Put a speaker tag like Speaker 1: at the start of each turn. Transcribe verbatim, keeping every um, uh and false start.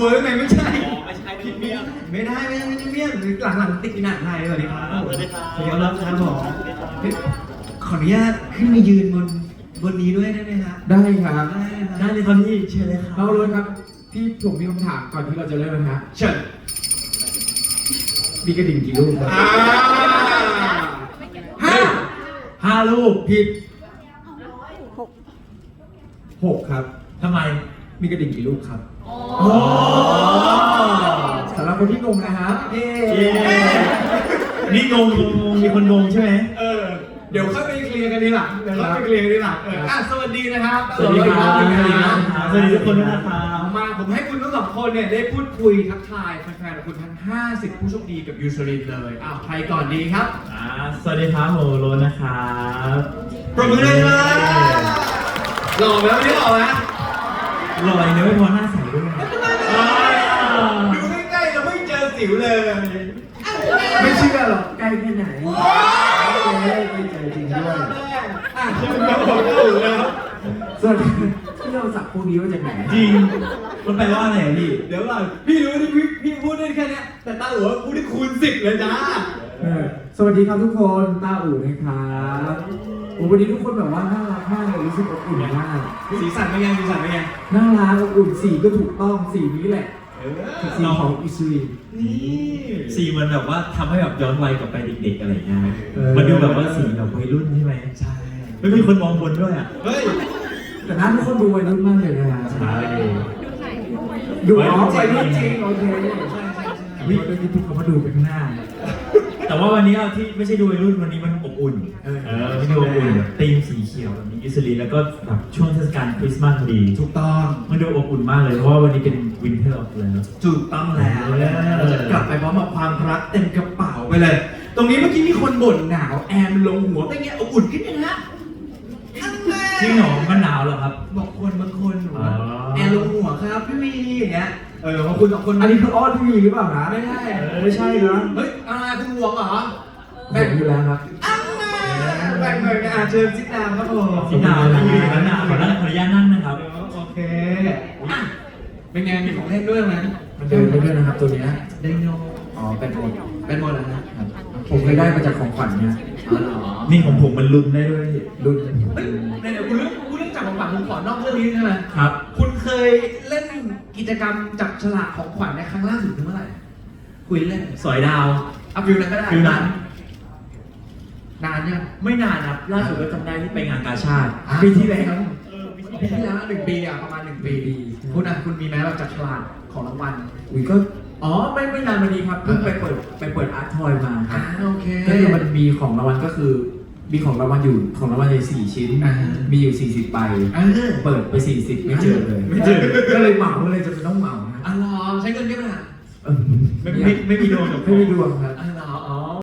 Speaker 1: วิร์กไหมไม่ใช่
Speaker 2: ไม่ใช่พรีเมียม
Speaker 1: ไม่ได้ไม่ได้ไม่ได้เมี่ยงหลังๆติดหนักไทยสวัสดีครับ
Speaker 2: สวัสดีครับ
Speaker 1: สวัสดีครับครับผมขออนุญาตขึ้นมายืนบนบนนี้ด้วยได้ไหมครับ
Speaker 3: ได้ครับ
Speaker 1: ได้เลยครับพี่เชิญเลยครับ
Speaker 3: เราเลยครับพี่ผมมีคำถามก่อนที่เราจะเริ่มนะฮะ
Speaker 1: เชิญ
Speaker 3: มีกระดิ่งกี่ลูกครับ
Speaker 1: อ่าห้าห้าลูกผิด
Speaker 3: หกครับ
Speaker 1: ทำไม
Speaker 3: มีกระดิ่งกี่ลูกครับ
Speaker 1: โอ้
Speaker 3: สำหรับคนที่งงนะฮะเย้
Speaker 1: เย้นี่งงงงงมีคนงงใช่ไหม
Speaker 3: เออ
Speaker 1: เดี๋ยวค่อยไปเคลียร์กันทีหลังเดี๋ยวค่อยไปเคลียร์กันทีหลังเอออ่ะสวัสดีนะครับ
Speaker 3: สวัสดีครับ
Speaker 1: สวัสดีครับ
Speaker 2: สวัสดีทุกคนด้วยนะครับ
Speaker 1: มาผมให้คุณทั้งสองคนเนี่ยได้พูดคุยทักทายแฟนๆของคุณทั้งห้าสิบผู้โชคดีกับยูซรินเลยอ้าวใครก่อนดีครับ
Speaker 2: อ่าสวัสดีครับโมโรนะครับ
Speaker 1: ปรบมือเลยครับหล่อไหมวันนี้หล่อไหม
Speaker 2: ลอยเนื้อไม่พอหน้าใสด้วย
Speaker 1: ดูใกล้ๆเราไม่เจอสิวเลย
Speaker 3: ไม่เชื่อหรอกใกล้แค่ไหนเย้ไม่เจอจริงด้วย
Speaker 1: อ่ะคุณครับผมถูกแล้ว
Speaker 3: ส่วนที่เราสักพวกนี้มาจากไหน
Speaker 2: จริงมันแปลว่าอะไรอ่ะพี่
Speaker 1: เดี๋ยวก่อนพี่รู้ที่พี่พี่พูดได้แค่เนี้ยแต่ตาหัวพูดได้คูณสิบเลยจ้า
Speaker 3: เออสวัสดีครับทุกคนต้าอู่นะครับโอ้วันนี้ทุกคนแบบว่าน่ารักมากเลยรู้สึกอบอุ่นมาก
Speaker 1: สีสันเป็นไงสีสันเป็นไง
Speaker 3: น่ารักอบอุ่นสีก็ถูกต้องสีนี้แหละ
Speaker 1: เออ
Speaker 3: สีของอิสุริ
Speaker 1: นี่
Speaker 2: สีมันแบบว่าทำให้แบบย้อนวัยกลับไปเด็กๆอะไรอย่างเงี้ย
Speaker 3: เออ
Speaker 2: มันดูแบบว่าสีแบบวัยรุ่นใช่ไหม
Speaker 1: ใช่
Speaker 2: ไม่มีคนมองบนด้วยอ่ะ
Speaker 1: เฮ้ย
Speaker 3: แต่หน้าทุกคนดูวัยรุ่นมากเลยนะฮะ
Speaker 2: ใช่
Speaker 3: ดูอ๋อวัยรุ่นจริงโอเค
Speaker 1: ใช่ใช่ใช่
Speaker 3: วิเมื่อกี้ทุกคนมาดูไปข้างหน้า
Speaker 2: แต่ว่าวันนี้อะที่ไม่ใช่ดูวัยรุ่นวันนี้มันอบอุ่น
Speaker 3: เออ
Speaker 2: เออที่ดูอบอุ่นแบบธีมสีเขียวแบบนี้อิสรีแล้วก็แบบช่วงเทศกาลคริสต์มาสพอดี
Speaker 1: ถูกต้อง
Speaker 2: มันดูอบอุ่นมากเลยเพราะว่าวันนี้เป็นวินเทอร์ออฟแล้ว
Speaker 1: ถูกต้องแล้วเราจะกลับไปพร้อมกับความรักเต็มกระเป๋าไปเลย ตรงนี้เมื่อกี้มีคนบ่นหนาวแอร์มันลงหัวเป็นไงอบอุ่นขึ้นยังฮะข้างแม่
Speaker 2: จริงเหรอมันหนาวเหรอครับ
Speaker 1: บอกคนบางคนหนู
Speaker 2: อ๋อ
Speaker 1: แอร์ลงหัวครับพี่วีอย่างเงี้ยเออบางคนสองคน
Speaker 3: อันนี้คืออ้อนที่มีหรือเปล่านะ
Speaker 1: ไม่ใช่
Speaker 3: ไม่ใช่นะ
Speaker 1: เฮ้ยอะไรคุณห่วงเหรอ
Speaker 3: แบ่งอยู่แล้วครับ
Speaker 1: อ้าวแบ่งเลยนะอ่ะเชิญซิดนามครับผม
Speaker 2: สีหนาวนะอยู่อย่างนั้นหนาวขอนั่งขออนุญาตนั่งนะครับ
Speaker 1: โอเคอ่ะเป็นไงมีของเล่นด้วยไหม
Speaker 3: มันเดินไปด้วยนะครับตัวเนี้ย
Speaker 1: ไดโน
Speaker 3: อ๋อเป็นหมด
Speaker 1: เป็นหมดแล้วนะครับ
Speaker 3: ผมเคยได้มาจากของขวัญเนี่ย
Speaker 1: อ๋อเหรอ
Speaker 2: นี่ของผมมันลุ้นได้ด้วย
Speaker 3: รุ่น
Speaker 1: เฮ้ยเดี๋ยวคุณเรื่องคุณเรื่องจับของขวัญผมขอนอกเรื่องนี้ใช่ไหม
Speaker 2: ครับ
Speaker 1: คุณเคยเล่นกิจกรรมจับฉลากของขวัญในครั้งล่าสุดเมื่อไหร่คุยเล่น
Speaker 2: สอยดาว
Speaker 1: เอาฟิวนั้นก็ได้
Speaker 2: ฟิวนั้น
Speaker 1: นานยัง
Speaker 2: ไม่นานครับล่าสุดก็จำได้ที่ไปงานกาชาติ
Speaker 1: ปีที่แล้วปีที่แล้วหนึ่งปีอ่ะประมาณหนึ่งปีคุณอ่ะคุณมีไหมเราจับฉลากของรางวัล
Speaker 3: อุ้ยก็อ๋อไม่ไม่นานมานี้ครับเพิ่งไปเปิดไปเปิดอาร์ตทอยมาค
Speaker 1: อ่า
Speaker 3: รับ
Speaker 1: โอเค
Speaker 3: ก็คือมันมีของรางวัลก็คือ มีของรางวัลอยู่ของรางวัลอยู่สี่ชิ้น
Speaker 1: อ่า
Speaker 3: มีอยู่สี่สิบใบ
Speaker 1: เออ
Speaker 3: เปิดไปสี่สิบไม่เจอเลย
Speaker 1: ไม่เจอ
Speaker 3: ก็เลยเหมาเลยจะเป็นต้องเหมานะ
Speaker 1: อ่ะรอใช้เงินเยอะไหมล่ะ
Speaker 3: เออ
Speaker 2: ไม่ไม่ไม่มีดวงกับ
Speaker 3: ไม่มีดวงครับ
Speaker 1: อ่า